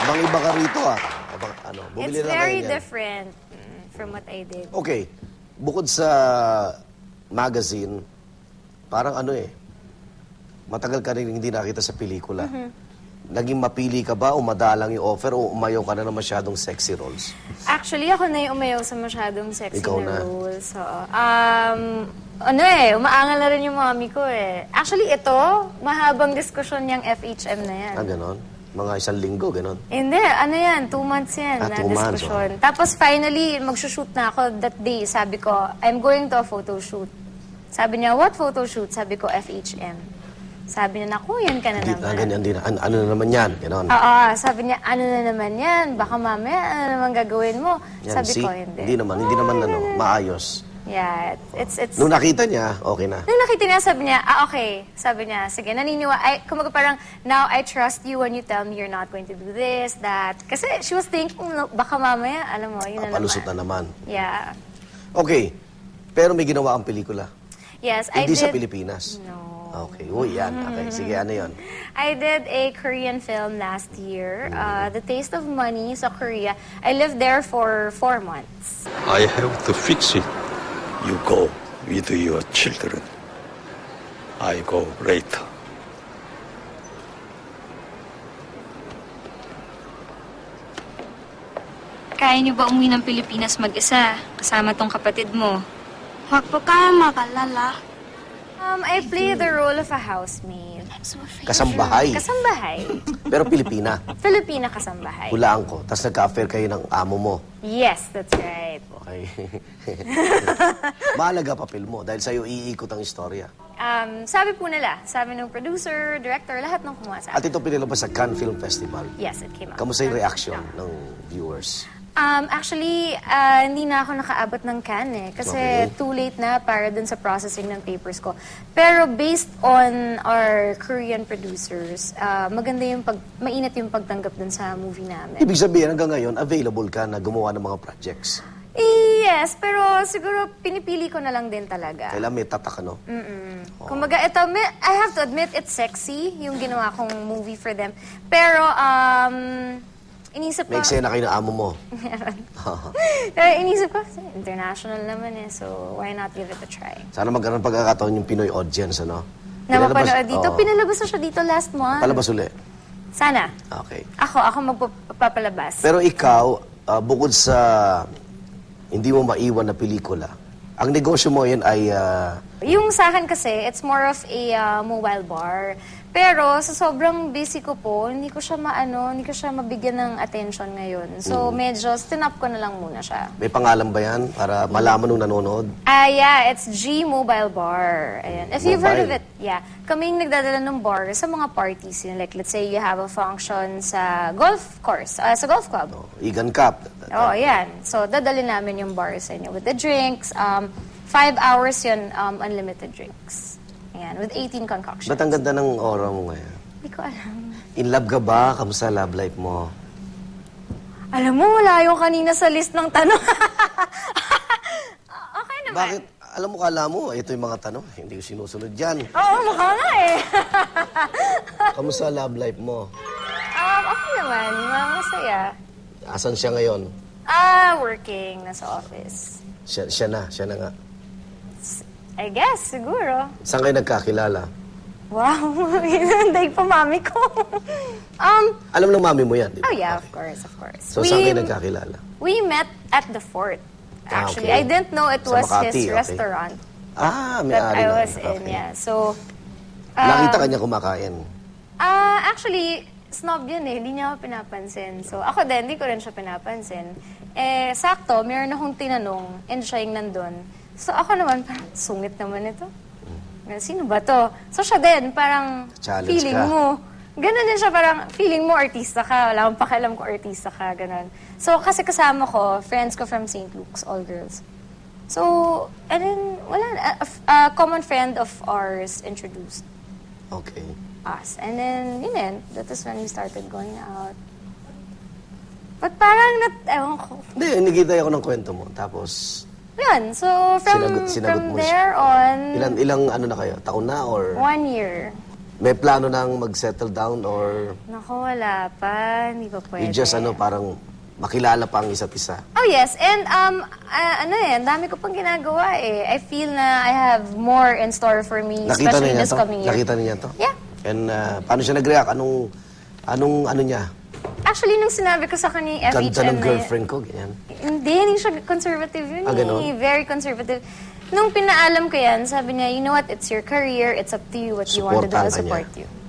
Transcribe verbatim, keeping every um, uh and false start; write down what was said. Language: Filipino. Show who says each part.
Speaker 1: Ibang-iba ka rito, ah. Ibang, ano, bumili
Speaker 2: It's
Speaker 1: na
Speaker 2: very
Speaker 1: kayo niyan.
Speaker 2: different mm, from what I did.
Speaker 1: Okay. Bukod sa magazine, parang ano eh, matagal ka rin hindi nakita sa pelikula. Naging mapili ka ba o madalang yung offer o umayaw ka na ng masyadong sexy roles?
Speaker 2: Actually, ako na yung umayaw sa masyadong sexy
Speaker 1: Ikaw
Speaker 2: na,
Speaker 1: na.
Speaker 2: roles. So, um, ano eh, umaangal na rin yung mami ko eh. Actually, ito, mahabang diskusyon yung F H M na yan.
Speaker 1: Ah, ganon? Mga isang linggo, ganon?
Speaker 2: Hindi, ano yan, two months yan
Speaker 1: Ah,
Speaker 2: na
Speaker 1: two months,
Speaker 2: diskusyon. Tapos finally, magsushoot na ako that day. Sabi ko, I'm going to a photo shoot. Sabi niya, what photo shoot? Sabi ko, F H M. Sabi niya, naku, yan ka na
Speaker 1: Hindi,
Speaker 2: naman.
Speaker 1: ah, ganyan din. An ano na naman yan? Ganon.
Speaker 2: Oo, sabi niya, ano na naman yan? Baka mamaya, ano naman gagawin mo?
Speaker 1: Yan,
Speaker 2: Sabi
Speaker 1: see?
Speaker 2: ko, hindi.
Speaker 1: Hindi naman, hindi naman ano, maayos.
Speaker 2: Yeah, it's, it's...
Speaker 1: Nung nakita niya, okay na.
Speaker 2: Nung nakita niya, sabi niya, ah, okay. Sabi niya, sige, naniniwa. I, kumaga parang, now I trust you when you tell me you're not going to do this, that. Kasi she was thinking, no, baka mamaya, alam mo, yun na
Speaker 1: Palusot
Speaker 2: naman.
Speaker 1: na naman.
Speaker 2: Yeah.
Speaker 1: Okay. Pero may ginawa ang pelikula.
Speaker 2: Yes, I
Speaker 1: Hindi
Speaker 2: did...
Speaker 1: sa Pilipinas.
Speaker 2: No.
Speaker 1: Okay. Uy, yan. Okay. Sige, ano yun?
Speaker 2: I did a Korean film last year, uh, The Taste of Money sa Korea. I lived there for four months.
Speaker 3: I have to fix it. You go with your children. I go later.
Speaker 4: Kaya niyo ba umuwi ng Pilipinas mag-isa, kasama tong kapatid mo?
Speaker 5: Huwag po kayo mag-alala.
Speaker 2: Um, I play the role of a housemaid.
Speaker 1: Kasambahay.
Speaker 2: Kasambahay.
Speaker 1: Pero Pilipina.
Speaker 2: Filipina kasambahay.
Speaker 1: Hulaan ko. Tapos nagka-affair kayo ng amo mo.
Speaker 2: Yes, that's right.
Speaker 1: Okay. Mahalaga papel mo dahil sa'yo iikot ang istorya.
Speaker 2: Um, sabi po nila, sabi ng producer, director, lahat ng kumuha sa
Speaker 1: At
Speaker 2: akin.
Speaker 1: ito pinilabas sa Cannes Film Festival.
Speaker 2: Yes, it came out.
Speaker 1: Kamusta yung reaction ng viewers?
Speaker 2: Um, actually, ah, hindi na ako nakaabot ng Cannes eh. Kasi
Speaker 1: Okay.
Speaker 2: too late na para dun sa processing ng papers ko. Pero based on our Korean producers, ah, maganda yung pag, mainit yung pagtanggap dun sa movie namin.
Speaker 1: Ibig sabihin, hanggang ngayon, available ka na gumawa ng mga projects.
Speaker 2: Yes, pero siguro pinipili ko na lang din talaga.
Speaker 1: Kailan may tatak, ano?
Speaker 2: Mm. Kumbaga, ito, may- I have to admit, it's sexy, yung ginawa kong movie for them. Pero, um, inisip ko...
Speaker 1: May eksena kayo ng amo mo.
Speaker 2: Meron. Pero inisip ko, international naman eh, so why not give it a try?
Speaker 1: Sana magkaroon ng pagkakataon yung Pinoy audience, ano?
Speaker 2: Na
Speaker 1: Pinalabas-
Speaker 2: mapanood dito,
Speaker 1: Oo.
Speaker 2: pinalabas na siya dito last month.
Speaker 1: Palabas uli.
Speaker 2: Sana.
Speaker 1: Okay.
Speaker 2: Ako, ako magpapalabas.
Speaker 1: Pero ikaw, ah, bukod sa hindi mo maiwan na pelikula, ang negosyo mo yan ay... ah,
Speaker 2: Yung sa akin kasi, it's more of a uh, mobile bar. Pero sa sobrang busy ko po, hindi ko siya maano, hindi ko siya mabigyan ng attention ngayon. So medyo stinop ko na lang muna siya.
Speaker 1: may pangalan ba yan para malaman nung nanonood?
Speaker 2: Ah, yeah, it's G Mobile Bar. Ayan. If you've heard of
Speaker 1: Mobile.
Speaker 2: it, yeah. Kaming nagdadala ng bar sa mga parties. Yun. Like, let's say you have a function sa golf course, ah, sa golf club.
Speaker 1: Oh, Egan Cup.
Speaker 2: Oh, yan. So, dadali namin yung bar sa inyo with the drinks. Um, five hours yun, um, unlimited drinks. Ayan, with eighteen concoctions.
Speaker 1: Ba't ang ganda ng aura mo ngayon?
Speaker 2: Hindi ko alam.
Speaker 1: In love ka ba? Kamusta love life mo?
Speaker 2: Alam mo, wala yung kanina sa list ng tanong. Okay naman.
Speaker 1: Bakit? Alam mo, kala mo, ito yung mga tanong. Hindi ko sinusunod yan.
Speaker 2: Oo, mukha nga eh.
Speaker 1: Kamusta love life mo?
Speaker 2: um, okay naman, masaya.
Speaker 1: Asan siya ngayon?
Speaker 2: Ah, working. Nasa office.
Speaker 1: Siya, siya na, siya na nga.
Speaker 2: I guess, siguro.
Speaker 1: Saan kayo nagkakilala?
Speaker 2: Wow, daig pa mami ko. um,
Speaker 1: Alam ng mami mo yan, di ba?
Speaker 2: oh yeah, of
Speaker 1: Okay.
Speaker 2: course, of course.
Speaker 1: So, saan kayo nagkakilala?
Speaker 2: We met at the fort.
Speaker 1: Ah,
Speaker 2: Actually,
Speaker 1: okay.
Speaker 2: I didn't know it
Speaker 1: Sa
Speaker 2: was
Speaker 1: Makati,
Speaker 2: his
Speaker 1: okay.
Speaker 2: restaurant
Speaker 1: Ah, may
Speaker 2: that
Speaker 1: ari
Speaker 2: I
Speaker 1: na.
Speaker 2: was in,
Speaker 1: Okay.
Speaker 2: yeah. So, um,
Speaker 1: Nakita ka niya kumakain.
Speaker 2: Ah, actually, snob yun eh. Hindi niya ako pinapansin. So, ako din, hindi ko rin siya pinapansin. Eh, sakto, meron akong tinanong, and siya yung nandun. So, ako naman, parang, sungit naman ito. Sino ba to? So, siya din, parang,
Speaker 1: Challenge
Speaker 2: feeling
Speaker 1: ka.
Speaker 2: mo. Ganun din siya, parang, feeling mo, artista ka. Wala akong pakialam kung artista ka, ganun. So, kasi kasama ko, friends ko from Saint Luke's, all girls. So, and then, wala, a, a common friend of ours introduced
Speaker 1: Okay.
Speaker 2: us. And then, yun din, that is when we started going out. But parang, nat, ewan ko.
Speaker 1: Hindi, nagkita ako ng kwento mo. Tapos,
Speaker 2: Yun, so from,
Speaker 1: Sinagot- sinagot
Speaker 2: from
Speaker 1: mo siya.
Speaker 2: there on,
Speaker 1: ilang, ilang ano na kayo? Taon na or
Speaker 2: one year.
Speaker 1: May plano nang mag-settle down or
Speaker 2: Naku, wala pa. Hindi pa pwede.
Speaker 1: you just ano, parang makilala pa ang isa't isa?
Speaker 2: Oh yes, and um, ah, ano eh, ang dami ko pang ginagawa eh. I feel na I have more in store for me,
Speaker 1: Nakita
Speaker 2: especially
Speaker 1: niya
Speaker 2: this
Speaker 1: to?
Speaker 2: coming year.
Speaker 1: Nakita niya to?
Speaker 2: Yeah.
Speaker 1: And uh, paano siya nag-react? Anong, anong ano niya?
Speaker 2: Actually, nung sinabi ko sa kanya yung F H M
Speaker 1: Ganda ng
Speaker 2: na yun-
Speaker 1: girlfriend ko, ganyan.
Speaker 2: Hindi, hindi siya conservative yun
Speaker 1: Ah, ganun?
Speaker 2: eh. Very conservative. Nung pinaalam ko yan, sabi niya, you know what, it's your career, it's up to you what you want to do,
Speaker 1: Supportahan
Speaker 2: I'll
Speaker 1: ka niya.
Speaker 2: support you.